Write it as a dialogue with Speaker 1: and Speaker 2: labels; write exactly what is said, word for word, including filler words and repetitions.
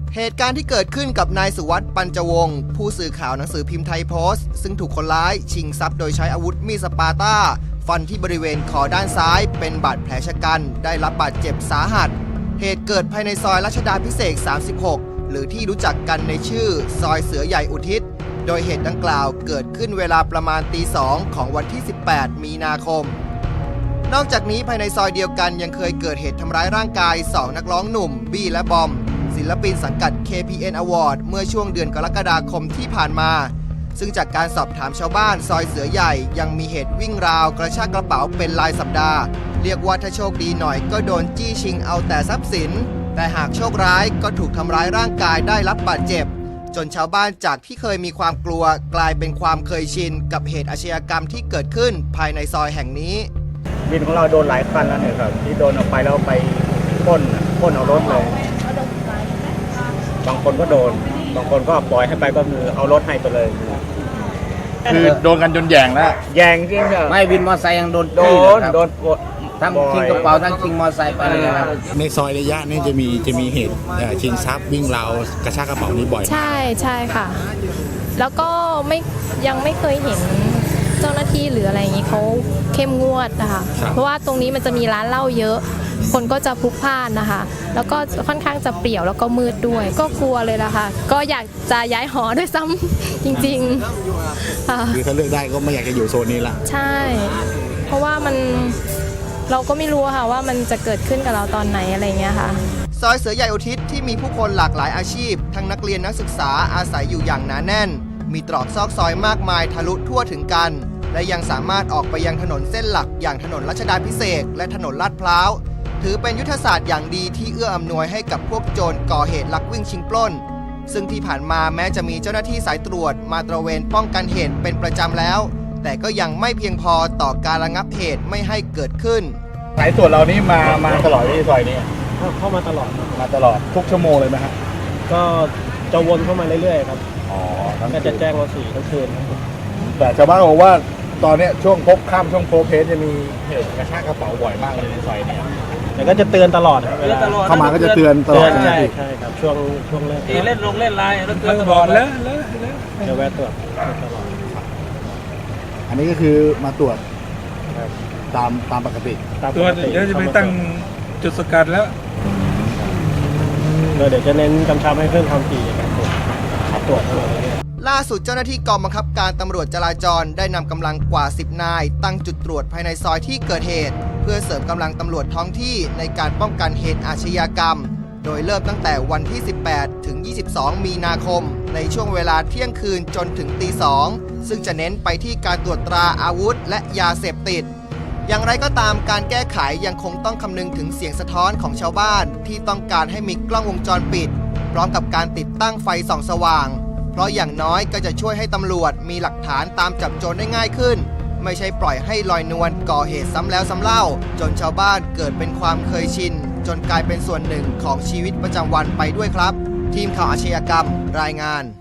Speaker 1: เหตุการณ์ที่เกิดขึ้นกับนายสุวัสด์ปัญจวงศ์ผู้สื่อข่าวหนังสือพิมพ์ไทยโพสต์ซึ่งถูกคนร้ายชิงทรัพย์โดยใช้อาวุธมีดสปาร์ต้าฟันที่บริเวณคอด้านซ้ายเป็นบาดแผลชะกันได้รับบาดเจ็บสาหัสเหตุเกิดภายในซอยรัชดาภิเษกสามสิบหกหรือที่รู้จักกันในชื่อซอยเสือใหญ่อุทิศโดยเหตุดังกล่าวเกิดขึ้นเวลาประมาณตีสองของวันที่สิบแปดมีนาคมนอกจากนี้ภายในซอยเดียวกันยังเคยเกิดเหตุทำร้ายร่างกายสองนักร้องหนุ่มบี้และบอมศิลปินสังกัด เค พี เอ็น Award เมื่อช่วงเดือนกรกฎาคมที่ผ่านมาซึ่งจากการสอบถามชาวบ้านซอยเสือใหญ่ยังมีเหตุวิ่งราวกระชากกระเป๋าเป็นรายสัปดาห์เรียกว่าถ้าโชคดีหน่อยก็โดนจี้ชิงเอาแต่ทรัพย์สินแต่หากโชคร้ายก็ถูกทำร้ายร่างกายได้รับบาดเจ็บจนชาวบ้านจากที่เคยมีความกลัวกลายเป็นความเคยชินกับเหตุอาชญากรรมที่เกิดขึ้นภายในซอยแห่งนี้
Speaker 2: วินของเราโดนหลายคันแล้วเนี่ยครับที่โดนเอาไปแล้วไปพ่นพ่นเอารถเลยบางคนก็โดนบางคนก็ปล่อยให้ไปก็คือเอารถให้ไปเลย
Speaker 3: คือโดนกันจนแยงแล้ว
Speaker 2: แยงจริงครับ
Speaker 4: ไม่วินมอเตอร์ไซค์ยังโดน
Speaker 2: โดนโดน
Speaker 4: ทั้งชิงกระเป๋าทั้งชิงมอเตอร์ไซค์ไปเลยครับ
Speaker 3: ในซอยระยะนี้จะมีจะมีเหตุชิงทรัพย์วิ่งราวกระชากกระเป๋านี้บ่อย
Speaker 5: ใช่ใช่ค่ะแล้วก็ไม่ยังไม่เคยเห็นเจ้าหน้าที่หรืออะไรอย่างนี้เขาเข้มงวดนะคะเพราะว่าตรงนี้มันจะมีร้านเหล้าเยอะคนก็จะพลุกพล่านนะคะแล้วก็ค่อนข้างจะเปรี่ยวแล้วก็มืดด้วยก็กลัวเลยล่ะค่ะก็อยากจะย้ายหอด้วยซ้ำจริงๆ
Speaker 3: คือถ้าเลือกได้ก็ไม่อยากจะอยู่โซนนี้ละ
Speaker 5: ใช่เพราะว่ามันเราก็ไม่รู้ค่ะว่ามันจะเกิดขึ้นกับเราตอนไหนอะไรเงี้ยค่ะ
Speaker 1: ซอยเสือใหญ่อุทิศที่มีผู้คนหลากหลายอาชีพทั้งนักเรียนนักศึกษาอาศัยอยู่อย่างหนาแน่นมีตรอกซอกซอยมากมายทะลุทั่วถึงกันและยังสามารถออกไปยังถนนเส้นหลักอย่างถนนรัชดาภิเษกและถนนลาดพร้าวถือเป็นยุทธศาสตร์อย่างดีที่เอื้ออำนวยให้กับพวกโจรก่อเหตุลักวิ่งชิงปล้นซึ่งที่ผ่านมาแม้จะมีเจ้าหน้าที่สายตรวจมาตระเวนป้องกันเหตุเป็นประจำแล้วแต่ก็ยังไม่เพียงพอต่อการระงับเหตุไม่ให้เกิดขึ้น
Speaker 3: สายตรวจเรานี่มามาตลอดที่ซอยนี้
Speaker 2: เข้ามาตลอด
Speaker 3: มาตลอดทุกชั่วโมงเลยไหมครับ
Speaker 2: ก็จะวนเข้ามาเรื่อยๆครับอ๋อก็จะแจ้งว่าสี่ทั้งคืน
Speaker 3: แต่ชาวบ้านบอกว่าตอนนี้ช่วงพบค่ำช่วงโพเพสจะมีเหตุกระชากกระเป๋าบ่อยมากเลยในซอยนี้
Speaker 2: แต่ก็จะเตือนตลอดเวลา
Speaker 3: เข้ามาก็จะเตือนตลอด
Speaker 2: ใช่ใช่ครับช่วงช่วงเล่น
Speaker 4: เล่นลงเล่นไลน์แล้วเตือนต
Speaker 2: ลอดแล้วจะแวะตรวจตลอด
Speaker 3: อันนี้ก็คือมาตรวจตามตามปกติ
Speaker 6: ตรวจเดี๋ยวจะไปตั้งจุดสกัดแล้ว
Speaker 2: เดี๋ยวจะเน้นกำชับให้เพิ่มความถี่ในการตรวจตรวจ
Speaker 1: ล่าสุดเจ้าหน้าที่กองบังคับการตำรวจจราจรได้นำกำลังกว่าสิบนายตั้งจุดตรวจภายในซอยที่เกิดเหตุเพื่อเสริมกำลังตำรวจท้องที่ในการป้องกันเหตุอาชญากรรมโดยเริ่มตั้งแต่วันที่สิบแปดถึงยี่สิบสองมีนาคมในช่วงเวลาเที่ยงคืนจนถึงตีสองซึ่งจะเน้นไปที่การตรวจตราอาวุธและยาเสพติดอย่างไรก็ตามการแก้ไขยังคงต้องคำนึงถึงเสียงสะท้อนของชาวบ้านที่ต้องการให้มีกล้องวงจรปิดพร้อมกับการติดตั้งไฟส่องสว่างเพราะอย่างน้อยก็จะช่วยให้ตำรวจมีหลักฐานตามจับโจรได้ง่ายขึ้นไม่ใช่ปล่อยให้ลอยนวลก่อเหตุซ้ำแล้วซ้ำเล่าจนชาวบ้านเกิดเป็นความเคยชินจนกลายเป็นส่วนหนึ่งของชีวิตประจำวันไปด้วยครับทีมข่าวอาชญากรรมรายงาน